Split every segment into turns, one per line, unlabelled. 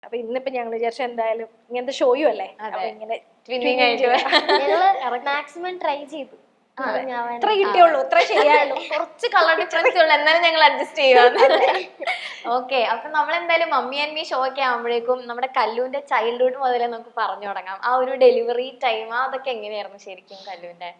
അപ്പൊ ഇന്നിപ്പോ ഞങ്ങൾ വിചാരിച്ച എന്തായാലും ഇങ്ങനത്തെ ഷോയും അല്ലേ ഇങ്ങനെ
മാക്സിമം ട്രൈ ചെയ്തു.
ഇത്ര കിട്ടിയുള്ളൂ, ഇത്ര ശരിയായുള്ളൂ,
കുറച്ച് കളർ ഡിഫറൻസ് ഉള്ളു, എന്നാലും ഞങ്ങൾ അഡ്ജസ്റ്റ് ചെയ്യുക. ഓക്കെ, അപ്പൊ നമ്മൾ എന്തായാലും മമ്മി ആൻഡ് മീ ഷോ ഒക്കെ ആകുമ്പോഴേക്കും നമ്മുടെ കല്ലുവിന്റെ ചൈൽഡ്ഹുഡ് മുതലേ നമുക്ക് പറഞ്ഞു തുടങ്ങാം. ആ ഒരു ഡെലിവറി ടൈം അതൊക്കെ എങ്ങനെയായിരുന്നു ശരിക്കും കല്ലുവിന്റെ?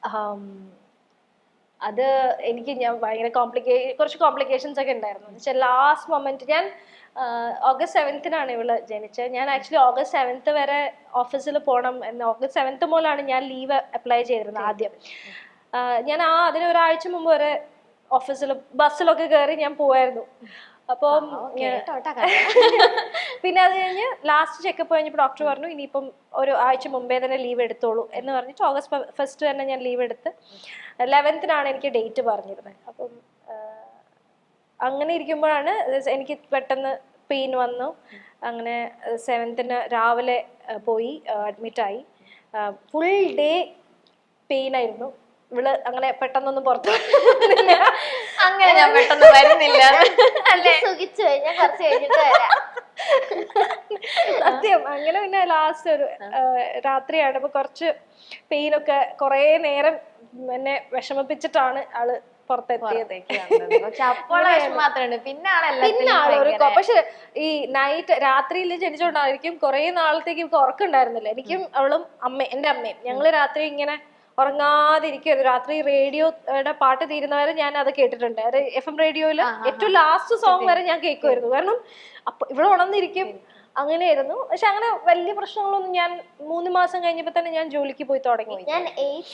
അത് എനിക്ക് ഞാൻ ഭയങ്കര കുറച്ച് കോംപ്ലിക്കേഷൻസ് ഒക്കെ ഉണ്ടായിരുന്നു. എന്നുവെച്ചാൽ ലാസ്റ്റ് മൊമെന്റ് ഞാൻ ഓഗസ്റ്റ് 7th ഇവള് ജനിച്ചത്. ഞാൻ ആക്ച്വലി ഓഗസ്റ്റ് 7th വരെ ഓഫീസിൽ പോകണം എന്ന് ഓഗസ്റ്റ് 7th മുതലാണ് ഞാൻ ലീവ് അപ്ലൈ ചെയ്തിരുന്നത് ആദ്യം. ഞാൻ അതിന് ഒരാഴ്ച മുമ്പ് വരെ ഓഫീസിൽ ബസ്സിലൊക്കെ കയറി ഞാൻ പോവായിരുന്നു. അപ്പം പിന്നെ അത് കഴിഞ്ഞ് ലാസ്റ്റ് ചെക്കപ്പ് കഴിഞ്ഞപ്പോൾ ഡോക്ടർ പറഞ്ഞു ഇനിയിപ്പം ഒരു ആഴ്ച മുമ്പേ തന്നെ ലീവ് എടുത്തോളൂ എന്ന് പറഞ്ഞിട്ട് ഓഗസ്റ്റ് 1st തന്നെ ഞാൻ ലീവ് എടുത്ത് 11th എനിക്ക് ഡേറ്റ് പറഞ്ഞിരുന്നത്. അപ്പം അങ്ങനെ ഇരിക്കുമ്പോഴാണ് എനിക്ക് പെട്ടെന്ന് പെയിൻ വന്നു. അങ്ങനെ 7th രാവിലെ പോയി അഡ്മിറ്റായി. ഫുൾ ഡേ പെയിൻ ആയിരുന്നു. ഇവള് അങ്ങനെ പെട്ടെന്നൊന്നും പുറത്തു
അങ്ങനെ ഞാൻ പെട്ടെന്ന് വരുന്നില്ല.
സത്യം. അങ്ങനെ പിന്നെ ലാസ്റ്റ് ഒരു രാത്രിയാണ്. അപ്പൊ കുറച്ച് പെയിനൊക്കെ കുറെ നേരം എന്നെ വിഷമിപ്പിച്ചിട്ടാണ് ആള് പുറത്തെത്തിയത്. പക്ഷെ ഈ നൈറ്റ് രാത്രിയിൽ ജനിച്ചോണ്ടായിരിക്കും കുറെ നാളത്തേക്ക് ഉറക്കുണ്ടായിരുന്നില്ല. എനിക്കും അവളും എന്റെ അമ്മയും ഞങ്ങള് രാത്രി ഇങ്ങനെ ഉറങ്ങാതിരിക്കുമായിരുന്നു. രാത്രി റേഡിയോയുടെ പാട്ട് തീരുന്നവരെ ഞാൻ അത് കേട്ടിട്ടുണ്ട്. അത് FM റേഡിയോയില് ഏറ്റവും ലാസ്റ്റ് സോങ് വരെ ഞാൻ കേൾക്കുമായിരുന്നു. കാരണം അപ്പൊ ഇവിടെ ഉണർന്നിരിക്കും. അങ്ങനെയായിരുന്നു. പക്ഷെ അങ്ങനെ വലിയ പ്രശ്നങ്ങളൊന്നും ഞാൻ 3 മാസം കഴിഞ്ഞപ്പോ തന്നെ ഞാൻ ജോലിക്ക് പോയി തുടങ്ങി.
ഞാൻ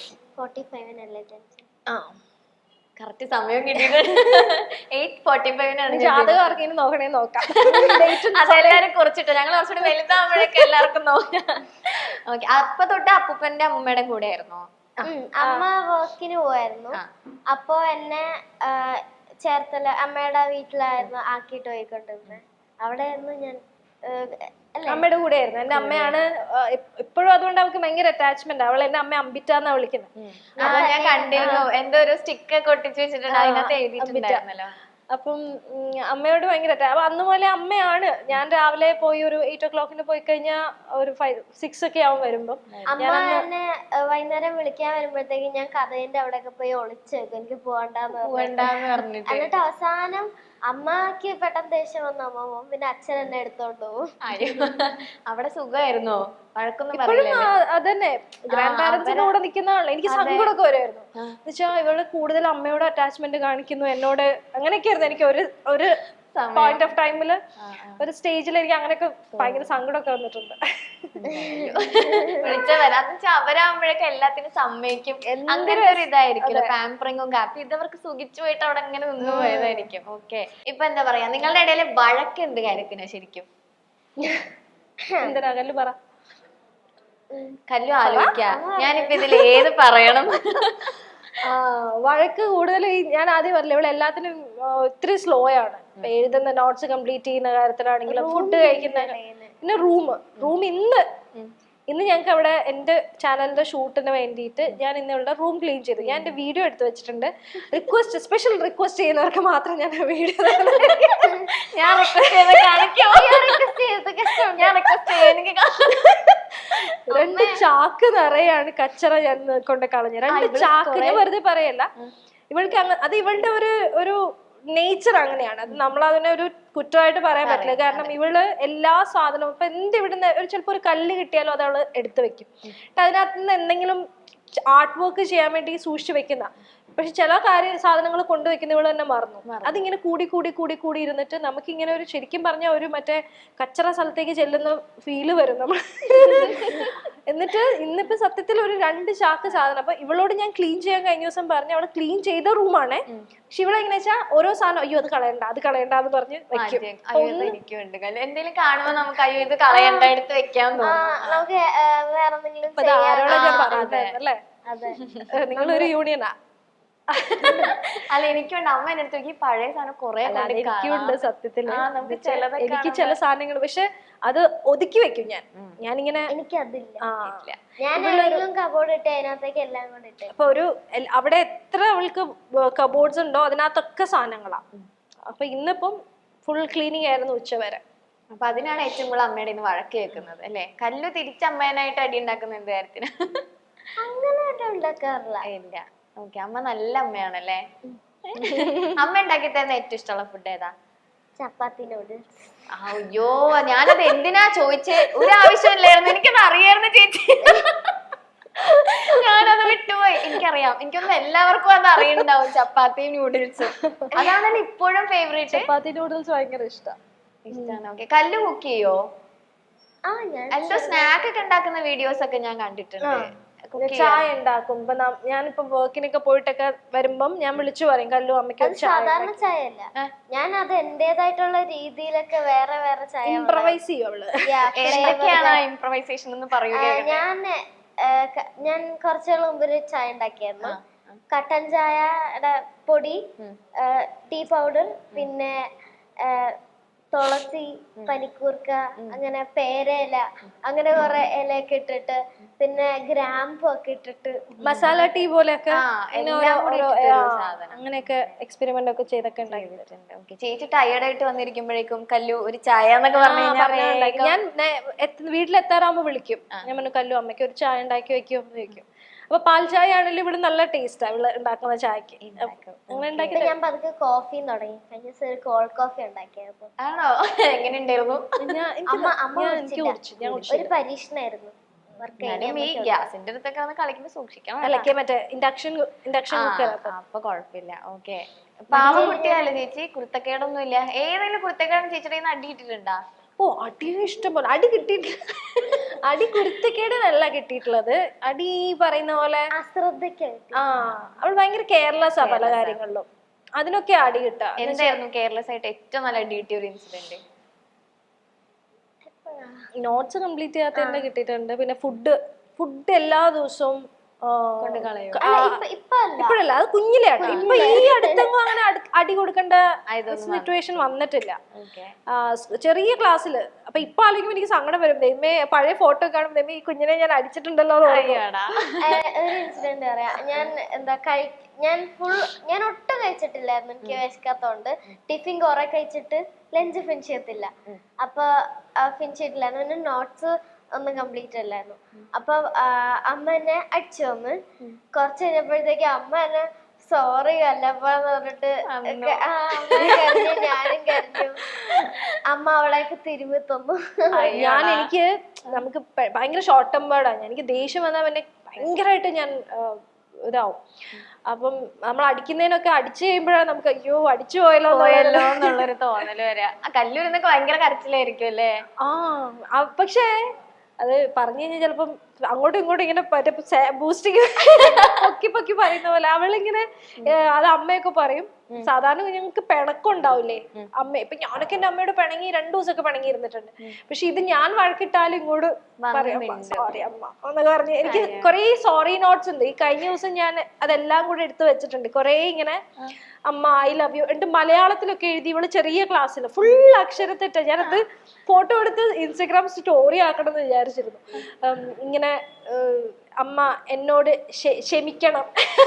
8:45 കറക്റ്റ് സമയം കിട്ടിയത് 8:45
ജാതകം ആർക്കെങ്കിലും നോക്കണേ നോക്കാം.
അതെല്ലാരും കുറിച്ചിട്ട് ഞങ്ങൾ കുറച്ചുകൂടി വലുതാകുമ്പോഴേക്കും എല്ലാവർക്കും നോക്കാം. ഓക്കെ, അപ്പൊ തൊട്ട് അപ്പൂപ്പന്റെ അമ്മൂമ്മയുടെ കൂടെ ആയിരുന്നോ? അമ്മ വർക്കിന് പോയായിരുന്നു. അപ്പൊ എന്നെ ചേർത്തല അമ്മയുടെ വീട്ടിലായിരുന്നു ആക്കിയിട്ട് പോയിക്കൊണ്ടിരുന്നത്. അവിടെ ആയിരുന്നു ഞാൻ
അമ്മയുടെ കൂടെ ആയിരുന്നു. എന്റെ അമ്മയാണ് ഇപ്പോഴും. അതുകൊണ്ട് അവൾക്ക് ഭയങ്കര അറ്റാച്ച്മെന്റ്. അവൾ എന്റെ അമ്മ അമ്പിറ്റാന്നാ വിളിക്കുന്നത്.
ഞാൻ കണ്ടിരുന്നു, എന്തോ ഒരു സ്റ്റിക്ക് ഒക്കെ ഒട്ടിച്ച് വെച്ചിട്ടുണ്ട്, അതിനകത്ത് എഴുതിയിട്ടുണ്ടായിരുന്നല്ലോ.
അപ്പം അമ്മയോട് ഭയങ്കര അപ്പൊ അന്ന് പോലെ അമ്മയാണ്. ഞാൻ രാവിലെ പോയി ഒരു 8 o'clock പോയി കഴിഞ്ഞാൽ ഒരു 5-6 ഒക്കെ ആവും വരുമ്പോ.
അമ്മ എന്നെ വൈകുന്നേരം വിളിക്കാൻ വരുമ്പോഴത്തേക്കും ഞാൻ കഥയിന്റെ അവിടെയൊക്കെ പോയി ഒളിച്ചേക്കും, എനിക്ക് പോകണ്ടെന്ന് പറഞ്ഞിട്ട്. എന്നിട്ട് അവസാനം അമ്മക്ക് പെട്ടെന്ന് ദേഷ്യം വന്നു അമ്മ പോകും, പിന്നെ അച്ഛൻ എന്നെ എടുത്തോണ്ട് പോകും. അവിടെ സുഖമായിരുന്നോ?
അതന്നെ, ഗ്രാൻഡ് പാരന്റ്സിന്റെ കൂടെ നിൽക്കുന്നതാണല്ലോ. എനിക്ക് സങ്കടമൊക്കെ വരുമായിരുന്നു. എന്നുവെച്ചാൽ ഇവള് കൂടുതൽ അമ്മയോട് അറ്റാച്ച്മെന്റ് കാണിക്കുന്നു എന്നോട്. അങ്ങനെയൊക്കെ ആയിരുന്നു. എനിക്ക് ഒരു പോയിന്റ് ഓഫ് ടൈമില് ഒരു സ്റ്റേജിൽ എനിക്ക് അങ്ങനെയൊക്കെ ഭയങ്കര സങ്കടമൊക്കെ വന്നിട്ടുണ്ട്.
അവരാകുമ്പോഴൊക്കെ എല്ലാത്തിനും സമ്മതിക്കും. അങ്ങനെ ഒരു ഇതായിരിക്കും, പാമ്പറിങ്ങും കാപ്പി ഇതവർക്ക് സുഖിച്ചു പോയിട്ട് അവിടെ അങ്ങനെ നിന്ന് പോയതായിരിക്കും. ഓക്കെ, ഇപ്പൊ എന്താ പറയാ, നിങ്ങളുടെ ഇടയില് വഴക്ക് എന്ത് കാര്യത്തിനാ ശരിക്കും?
എന്തിനാ കല്ലു പറ.
കല്ലു ആലോചിക്ക, ഞാനിപ്പോ ഇതിൽ ഏത് പറയണം?
വഴക്ക് കൂടുതൽ ഞാൻ ആദ്യം പറഞ്ഞില്ല, ഇവിടെ എല്ലാത്തിനും ഒത്തിരി സ്ലോ ആണ്. എഴുതുന്ന നോട്ട്സ് കംപ്ലീറ്റ് ചെയ്യുന്ന കാര്യത്തിലാണെങ്കിലും ഫുഡ് കഴിക്കുന്ന. പിന്നെ റൂം ഇന്ന് ഞങ്ങൾക്ക് അവിടെ എന്റെ ചാനലിന്റെ ഷൂട്ടിന് വേണ്ടിയിട്ട് ഞാൻ ഇന്നിവിടെ റൂം ക്ലീൻ ചെയ്തു. ഞാൻ എന്റെ വീഡിയോ എടുത്തു വെച്ചിട്ടുണ്ട്. സ്പെഷ്യൽ റിക്വസ്റ്റ് ചെയ്യുന്നവർക്ക് മാത്രം ഞാൻ വീഡിയോ
ഞാൻ
രണ്ട് ചാക്ക് നിറയാണ് കച്ചറ ഞാൻ കൊണ്ട് കളഞ്ഞു. 2 ചാക്ക്, ഞാൻ വെറുതെ പറയല്ല. ഇവൾക്ക് അത് ഇവളുടെ ഒരു നേച്ചർ അങ്ങനെയാണ്. അത് നമ്മളതിനെ ഒരു കുറ്റമായിട്ട് പറയാൻ പറ്റില്ല. കാരണം ഇവള് എല്ലാ സാധനവും ഇപ്പൊ ഇവിടുന്ന് ചിലപ്പോ ഒരു കല്ല് കിട്ടിയാലും അത് അവള് എടുത്തു വെക്കും. അതിനകത്ത് നിന്ന് എന്തെങ്കിലും ആർട്ട് വർക്ക് ചെയ്യാൻ വേണ്ടി സൂക്ഷിച്ചു വെക്കുന്ന. പക്ഷെ ചില സാധനങ്ങൾ കൊണ്ടുവെക്കുന്ന ഇവള് തന്നെ മറന്നു. അതിങ്ങനെ കൂടി ഇരുന്നിട്ട് നമുക്കിങ്ങനെ ഒരു ശരിക്കും പറഞ്ഞ ഒരു മറ്റേ കച്ചറ സ്ഥലത്തേക്ക് ചെല്ലുന്ന ഫീല് വരും നമ്മൾ. എന്നിട്ട് ഇന്നിപ്പോ സത്യത്തിൽ ഒരു 2 ചാക്ക് സാധനം. അപ്പൊ ഇവളോട് ഞാൻ ക്ലീൻ ചെയ്യാൻ കഴിഞ്ഞ ദിവസം പറഞ്ഞു, അവള് ക്ലീൻ ചെയ്ത റൂമാണേ. പക്ഷെ ഇവളെങ്ങനെ വെച്ചാൽ ഓരോ സാധനം അയ്യോ അത് കളയണ്ട എന്ന് പറഞ്ഞ് വെക്കും.
എന്തെങ്കിലും കാണുമ്പോ നമുക്ക് അയ്യോ ഇത് കളയണ്ട എടുത്ത് വെക്കാൻ നമുക്ക് വേറെ
അല്ലേ? നിങ്ങളൊരു യൂണിയനാ?
അല്ല, എനിക്കുണ്ട്. അമ്മ എന്റെ അടുത്ത് പഴയ സാധനം കുറെ
എനിക്കുണ്ട് സത്യത്തില്. എനിക്ക് ചില സാധനങ്ങൾ പക്ഷെ അത് ഒതുക്കി വെക്കും ഞാനിങ്ങനെ. അപ്പൊ അവിടെ എത്ര അവൾക്ക് കബോർഡ്സ് ഉണ്ടോ അതിനകത്തൊക്കെ സാധനങ്ങളാ. അപ്പൊ ഇന്നിപ്പം ഫുൾ ക്ലീനിങ് ആയിരുന്നു ഉച്ചവരെ.
അപ്പൊ അതിനാണ് ഏറ്റവും കൂടുതൽ അമ്മയുടെ ഇന്ന് വഴക്ക് കേൾക്കുന്നത് അല്ലെ? കല്ലു തിരിച്ച് അമ്മേനായിട്ട് അടി ഉണ്ടാക്കുന്ന എന്ത് കാര്യത്തിന്?
അങ്ങനെ ഉണ്ടാക്കാറില്ല.
ഇല്ല. ഓക്കെ, അമ്മ നല്ല അമ്മയാണല്ലേ. അമ്മ ഉണ്ടാക്കി തരുന്ന ഏറ്റവും ഇഷ്ടമുള്ള ഫുഡ് ഏതാ?
ചപ്പാത്തി നൂഡിൽസ്.
അയ്യോ, ഞാനത് എന്തിനാ ചോദിച്ചേ? ഒരു ആവശ്യമില്ലായിരുന്നു, എനിക്കത് അറിയായിരുന്നു ചേച്ചി. ഞാനത് വിട്ടുപോയി. എനിക്കറിയാം, എനിക്കൊന്നും എല്ലാവർക്കും അത് അറിയണ്ടാവും. ചപ്പാത്തിയും നൂഡിൽസും അതാണല്ലോ ഇപ്പോഴും ഫേവറേറ്റ്.
ചപ്പാത്തി നൂഡിൽസ് ഭയങ്കര ഇഷ്ടമാണ്.
ഓക്കെ, കല്ലു കുക്ക് ചെയ്യോ?
ഞാൻ
എന്തോ സ്നാക്ക് ഒക്കെ ഉണ്ടാക്കുന്ന വീഡിയോസ് ഒക്കെ ഞാൻ കണ്ടിട്ടുണ്ട്.
ചായ ഉണ്ടാക്കും. ഇപ്പൊ ഞാനിപ്പോ വർക്കിനൊക്കെ പോയിട്ടൊക്കെ വരുമ്പം ഞാൻ വിളിച്ചു പറയും കല്ലു അമ്മയ്ക്ക്
സാധാരണ ചായ അല്ല, ഞാൻ അത് എന്റേതായിട്ടുള്ള രീതിയിലൊക്കെ വേറെ വേറെ ചായ
ഇംപ്രവൈസ് ചെയ്യും അവള്.
എന്തൊക്കെയാണ് ഇംപ്രവൈസേഷൻ എന്ന് പറയൂലേ?
ഞാൻ കുറച്ചുകൾ മുമ്പ് ഒരു ചായ ഉണ്ടാക്കിയായിരുന്നു. കട്ടൻ ചായയുടെ പൊടി, ടീ പൗഡർ, പിന്നെ തുളസി, പനിക്കൂർക്ക, അങ്ങനെ പേരയില, അങ്ങനെ കുറെ ഇലയൊക്കെ ഇട്ടിട്ട്, പിന്നെ ഗ്രാമ്പു ഒക്കെ ഇട്ടിട്ട്
മസാല ടീ പോലെയൊക്കെ
സാധനം
അങ്ങനെയൊക്കെ എക്സ്പെരിമെന്റ് ഒക്കെ ചെയ്തൊക്കെ ഉണ്ടാക്കിയിട്ടുണ്ട്.
ചേച്ചി ടയേർഡ് ആയിട്ട് വന്നിരിക്കുമ്പോഴേക്കും കല്ലു ഒരു ചായ എന്നൊക്കെ പറഞ്ഞു കഴിഞ്ഞാൽ
ഞാൻ വീട്ടിലെത്താറാകുമ്പോ വിളിക്കും. ഞാൻ പറഞ്ഞു കല്ലു അമ്മയ്ക്ക് ഒരു ചായ ഉണ്ടാക്കി വെക്കും ചോദിക്കും. അപ്പൊ പാൽ ചായ ആണെങ്കിലും ഇവിടെ നല്ല ടേസ്റ്റാ ഇവിടെ ഉണ്ടാക്കുന്ന ചായക്ക്.
ഞാൻ പതുക്കെ കോഫിയും തുടങ്ങി. കഴിഞ്ഞ ദിവസം ഒരു കോൾഡ് കോഫി ഉണ്ടാക്കിയപ്പോ.
ആണോ? എങ്ങനെ ഉണ്ടായിരുന്നു?
ഒരു പരീക്ഷണായിരുന്നു.
ഗ്യാസിന്റെ അടുത്തൊക്കെ കളിക്കുമ്പോ സൂക്ഷിക്കണം.
അല്ലക്കെ മറ്റേ ഇൻഡക്ഷൻ കുക്കർ.
അപ്പൊ കുഴപ്പമില്ല. ഓക്കെ, പാവ കുട്ടിയല്ലേ ചേച്ചി? കുരുത്തക്കേടൊന്നും ഇല്ല. ഏതെങ്കിലും കുരുത്തക്കേടും ചേച്ചിയുടെ അടി കിട്ടിയിട്ടുണ്ടാ?
ഓ, അടി ഇഷ്ടം പോലെ. അടി കിട്ടിയിട്ടില്ല. അടി കുരുത്തക്കേടിനല്ല കിട്ടിയിട്ടുള്ളത്. അടി പറയുന്ന പോലെ
അശ്രദ്ധയ്ക്ക്.
അവൾ ഭയങ്കര കെയർലെസ് ആ പല കാര്യങ്ങളിലും. അതിനൊക്കെ അടി കിട്ടുക.
എന്തായിരുന്നു കെയർലെസ് ആയിട്ട് ഏറ്റവും നല്ല അടി കിട്ടിയ ഒരു ഇൻസിഡന്റ്?
നോട്ട്സ് കംപ്ലീറ്റ് ചെയ്യാത്തതിന്റെ കിട്ടിയിട്ടുണ്ട്. പിന്നെ ഫുഡ് എല്ലാ ദിവസവും ഇപ്പോഴല്ല, അത് കുഞ്ഞിലെയാണ്. ഇപ്പൊ ഈ അടുത്തെങ്ങും അങ്ങനെ അടി കൊടുക്കേണ്ട സിറ്റുവേഷൻ വന്നിട്ടില്ല. ചെറിയ ക്ലാസ്സില്. അപ്പൊ ഇപ്പൊ ആലോചിക്കുമ്പോ എനിക്ക് സങ്കടം വരും. ദൈവമേ, പഴയ ഫോട്ടോ കാണുമ്പോ ഈ കുഞ്ഞിനെ ഞാൻ അടിച്ചിട്ടുണ്ടല്ലോ.
ഒരു ഇൻസിഡന്റ് പറയാം. ഞാൻ ഒട്ടും കഴിച്ചിട്ടില്ലായിരുന്നു. എനിക്ക് വിശക്കാത്തോണ്ട് ടിഫിൻ കുറെ കഴിച്ചിട്ട് ലഞ്ച് ഫിനിഷ് ചെയ്യത്തില്ല. അപ്പൊ ഫിനിഷ് ചെയ്തിട്ടില്ലായിരുന്നു. പിന്നെ നോട്ട്സ് ഒന്നും കംപ്ലീറ്റ് അല്ലായിരുന്നു. അപ്പൊ അമ്മ എന്നെ അടിച്ചു വന്ന്. കുറച്ച് കഴിഞ്ഞപ്പോഴത്തേക്ക് അമ്മ എന്നെ സോറി കല്ലപ്പാന്ന് പറഞ്ഞിട്ട് കരഞ്ഞു. ഞാനും കരഞ്ഞു. അമ്മ അവളേക്ക് തിരുമ്പി തന്നു.
എനിക്ക് നമുക്ക് ഭയങ്കര ഷോർട്ട് ടെമ്പേർഡാണ്. എനിക്ക് ദേഷ്യം വന്നാൽ പിന്നെ ഭയങ്കരമായിട്ട് ഞാൻ ഇതാവും. അപ്പം നമ്മൾ അടിക്കുന്നതിനൊക്കെ അടിച്ചു കഴിയുമ്പോഴാണ് നമുക്ക് അയ്യോ അടിച്ചു പോയല്ലോ
എന്നുള്ളൊരു തോന്നല് വരാ. കല്ലൂരിന്നൊക്കെ ഭയങ്കര കരച്ചിലായിരിക്കും അല്ലേ?
പക്ഷേ അത് പറഞ്ഞു കഴിഞ്ഞാൽ ചിലപ്പം അങ്ങോട്ടും ഇങ്ങോട്ടും ഇങ്ങനെ ബൂസ്റ്റിങ് പൊക്കി പറയുന്ന പോലെ അവളിങ്ങനെ അത് അമ്മയൊക്കെ പറയും. സാധാരണ ഞങ്ങൾക്ക് പിണക്കുണ്ടാവില്ലേ അമ്മ. ഇപ്പൊ ഞാനൊക്കെ എന്റെ അമ്മയോട് പിണങ്ങി 2 ദിവസമൊക്കെ പിണങ്ങി ഇരുന്നിട്ടുണ്ട്. പക്ഷെ ഇത് ഞാൻ വഴക്കിട്ടാലും ഇങ്ങോട്ട് പറയാം സോറി അമ്മ എന്നൊക്കെ പറഞ്ഞ്. എനിക്ക് കുറെ സോറി നോട്ട്സ് ഉണ്ട്. ഈ കഴിഞ്ഞ ദിവസം ഞാൻ അതെല്ലാം കൂടെ എടുത്തു വെച്ചിട്ടുണ്ട്. കുറെ ഇങ്ങനെ അമ്മ ഐ ലവ് യു എന്നിട്ട് മലയാളത്തിലൊക്കെ എഴുതി. ഇവള് ചെറിയ ക്ലാസ്സിൽ ഫുൾ അക്ഷരത്തെറ്റ. ഞാനത് ഫോട്ടോ എടുത്ത് ഇൻസ്റ്റഗ്രാം സ്റ്റോറി ആക്കണം എന്ന് വിചാരിച്ചിരുന്നു. ഇങ്ങനെ അമ്മ എന്നോട് ക്ഷമിക്കണം,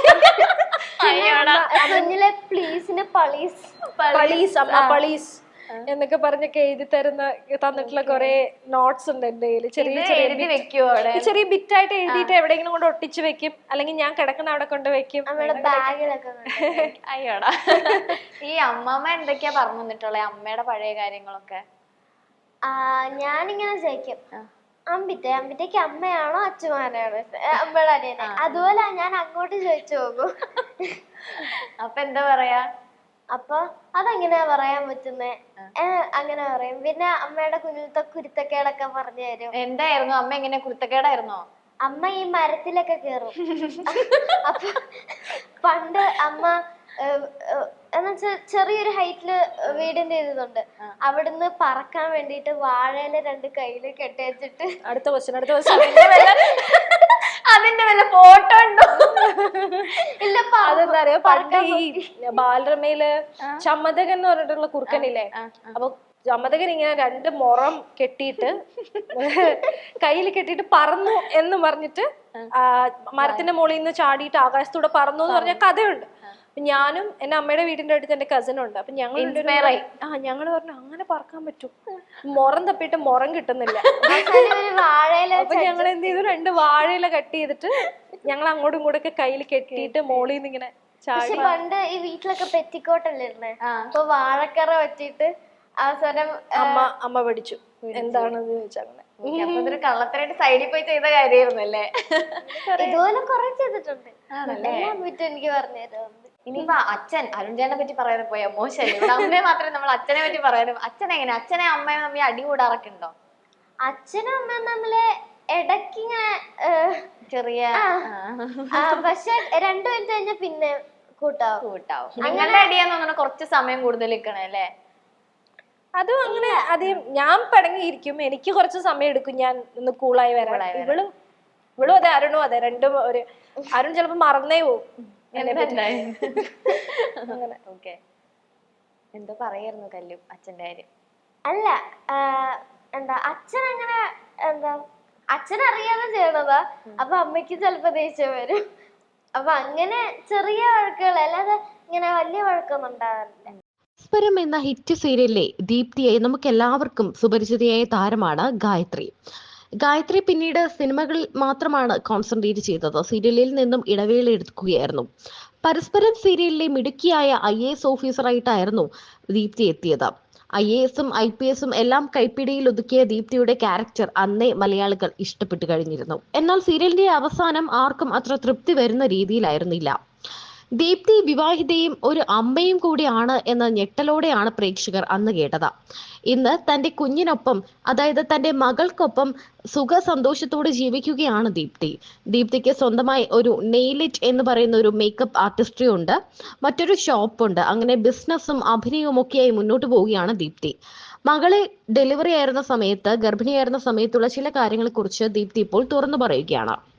പളീസ് എന്നൊക്കെ പറഞ്ഞൊക്കെ എഴുതി തന്നിട്ടുള്ള കുറെ നോട്ട്സ് ഉണ്ട് എന്റെ കയ്യില്. ചെറിയ ബിറ്റായിട്ട് എഴുതിയിട്ട് എവിടെയെങ്കിലും കൊണ്ട് ഒട്ടിച്ച് വെക്കും. അല്ലെങ്കിൽ ഞാൻ കിടക്കുന്ന അവിടെ കൊണ്ട് വെക്കും.
അയ്യോടാ. ഈ അമ്മമ്മ എന്തൊക്കെയാ പറഞ്ഞു തന്നിട്ടുള്ളത് അമ്മയുടെ പഴയ കാര്യങ്ങളൊക്കെ?
ഞാനിങ്ങനെ ചോദിക്കും, അമ്പിറ്റയ്ക്ക് അമ്മയാണോ അച്ഛമാനാണോ അമ്മയുടെ അനിയനെ? അതുപോലെ ഞാൻ അങ്ങോട്ട് ചോദിച്ചു പോകും.
അപ്പൊ എന്താ പറയാ?
അപ്പൊ അതെങ്ങനെയാ പറയാൻ പറ്റുന്നേ? അങ്ങനെ പറയും. പിന്നെ അമ്മയുടെ കുഞ്ഞിലത്തെ കുരുത്തക്കേടൊക്കെ പറഞ്ഞു തരും.
എന്തായിരുന്നു അമ്മ? എങ്ങനെ കുരുത്തക്കേടായിരുന്നോ?
അമ്മ ഈ മരത്തിലൊക്കെ കേറും. അപ്പൊ പണ്ട് അമ്മ എന്നുവെച്ചാ ചെറിയൊരു ഹൈറ്റില് വീടിന്റെ ഇതുണ്ട്. അവിടുന്ന് പറക്കാൻ വേണ്ടിട്ട് വാഴയില 2 കയ്യില് കെട്ടി വെച്ചിട്ട്
അടുത്ത ക്വസ്റ്റ്യൻ
അതിന്റെ വല്ല ഫോട്ടോ ഉണ്ടോ?
ഇല്ല.
അതെന്താ അറിയോ, പണ്ട് ഈ ബാലരമയില് ചമ്മതകൻ എന്ന് പറഞ്ഞിട്ടുള്ള കുറുക്കനില്ലേ, അപ്പൊ ചമ്മതകൻ ഇങ്ങനെ 2 മുറം കെട്ടിയിട്ട് കയ്യിൽ കെട്ടിയിട്ട് പറന്നു എന്ന് പറഞ്ഞിട്ട് മരത്തിന്റെ മുകളിൽ നിന്ന് ചാടിയിട്ട് ആകാശത്തൂടെ പറന്നു എന്ന് പറഞ്ഞ കഥയുണ്ട്. ഞാനും എന്റെ അമ്മയുടെ വീടിന്റെ അടുത്ത് എന്റെ കസിൻ ഉണ്ട്. അപ്പൊ ഞങ്ങൾ ഞങ്ങള് പറഞ്ഞു അങ്ങനെ പറക്കാൻ പറ്റും, മുറം തപ്പിയിട്ട് മുറം കിട്ടുന്നില്ല. അപ്പൊ ഞങ്ങൾ എന്ത് ചെയ്തു, 2 വാഴയില കട്ട് ചെയ്തിട്ട് ഞങ്ങൾ അങ്ങോട്ടും ഇങ്ങോട്ടൊക്കെ കയ്യിൽ കെട്ടിയിട്ട് മോളിൽ നിന്ന് ഇങ്ങനെ
പക്ഷെ പണ്ട് ഈ വീട്ടിലൊക്കെ പെറ്റിക്കോട്ടല്ലേ ഇരുന്നേ, അപ്പൊ വാഴക്കറ വെച്ചിട്ട് അവസാനം
അമ്മ പഠിച്ചു എന്താണെന്ന് ചോദിച്ചാൽ
അതൊരു കള്ളത്തരായിട്ട് സൈഡിൽ പോയി ചെയ്ത കാര്യമായിരുന്നല്ലേ.
ഇതുപോലെ കുറെ ചെയ്തിട്ടുണ്ട്, എനിക്ക് പറഞ്ഞുതരാം.
ഇനിയിപ്പോ അച്ഛൻ അരുൺചേട്ടനെ പറ്റി പറയാതെ പോയാ മോശമല്ലേ, ഇവിടെ അമ്മയെ മാത്രമേ നമ്മൾ അച്ഛനെ പറ്റി പറയാനും. അച്ഛൻ എങ്ങനെ, അച്ഛനെ അമ്മയും തമ്മിൽ അടി കൂടാറൊക്കെ ഉണ്ടോ?
അച്ഛനും അമ്മയും തമ്മില് ഇടയ്ക്കിങ്ങനെ ചെറിയ, പക്ഷെ 2 മിനിറ്റ് കഴിഞ്ഞ പിന്നെ കൂട്ടാവും.
നിങ്ങളുടെ അടിയാന്ന് തോന്നുന്നു കുറച്ച് സമയം കൂടുതൽ നിൽക്കണേ അല്ലേ?
അതും അങ്ങനെ ആദ്യം ഞാൻ പിണങ്ങിയിരിക്കും, എനിക്ക് കുറച്ച് സമയം എടുക്കും ഞാൻ ഒന്ന് കൂളായി വരാൻ. ഇവളും അതെ, അരുണും അതെ, രണ്ടും ഒരു അരുൺ ചിലപ്പോ മറന്നേ പോവും.
എന്തോ പറയായിരുന്നു കല്ലു അച്ഛന്റെ കാര്യം?
അല്ല എന്താ അച്ഛൻ അങ്ങനെ എന്താ അച്ഛനറിയാതെ ചെയ്യണതാ, അപ്പൊ അമ്മയ്ക്ക് ചിലപ്പോ ദേഷ്യം വരും. അപ്പൊ അങ്ങനെ ചെറിയ വഴക്കുകൾ, അല്ലാതെ ഇങ്ങനെ വലിയ വഴക്കൊന്നും ഉണ്ടാകാറില്ല.
പരസ്പരം എന്ന ഹിറ്റ് സീരിയലിലെ ദീപ്തിയെ നമുക്ക് എല്ലാവർക്കും സുപരിചിതയായ താരമാണ് ഗായത്രി. ഗായത്രി പിന്നീട് സിനിമകളിൽ മാത്രമാണ് കോൺസെൻട്രേറ്റ് ചെയ്തത്. സീരിയലിൽ നിന്നും ഇടവേള എടുക്കുകയായിരുന്നു. പരസ്പരം സീരിയലിലെ മിടുക്കിയായ IAS ഓഫീസറായിട്ടായിരുന്നു ദീപ്തി എത്തിയത്. IASഉം IPSഉം എല്ലാം കൈപ്പിടിയിൽ ഒതുക്കിയ ദീപ്തിയുടെ ക്യാരക്ടർ അന്നേ മലയാളികൾ ഇഷ്ടപ്പെട്ടു കഴിഞ്ഞിരുന്നു. എന്നാൽ സീരിയലിന്റെ അവസാനം ആർക്കും അത്ര തൃപ്തി വരുന്ന രീതിയിലായിരുന്നില്ല. ദീപ്തി വിവാഹിതയും ഒരു അമ്മയും കൂടിയാണ് എന്ന ഞെട്ടലോടെയാണ് പ്രേക്ഷകർ അന്ന് കേട്ടത്. ഇന്ന് തന്റെ കുഞ്ഞിനൊപ്പം, അതായത് തന്റെ മകൾക്കൊപ്പം സുഖസന്തോഷത്തോടെ ജീവിക്കുകയാണ് ദീപ്തി. ദീപ്തിക്ക് സ്വന്തമായി ഒരു നെയിലിറ്റ് എന്ന് പറയുന്ന ഒരു മേക്കപ്പ് ആർട്ടിസ്ട്രി ഉണ്ട്, മറ്റൊരു ഷോപ്പുണ്ട്. അങ്ങനെ ബിസിനസ്സും അഭിനയവും ഒക്കെയായി മുന്നോട്ട് പോവുകയാണ് ദീപ്തി. മകളെ ഡെലിവറി ആയിരുന്ന സമയത്ത്, ഗർഭിണിയായിരുന്ന സമയത്തുള്ള ചില കാര്യങ്ങളെ കുറിച്ച് ദീപ്തി ഇപ്പോൾ തുറന്നു പറയുകയാണ്.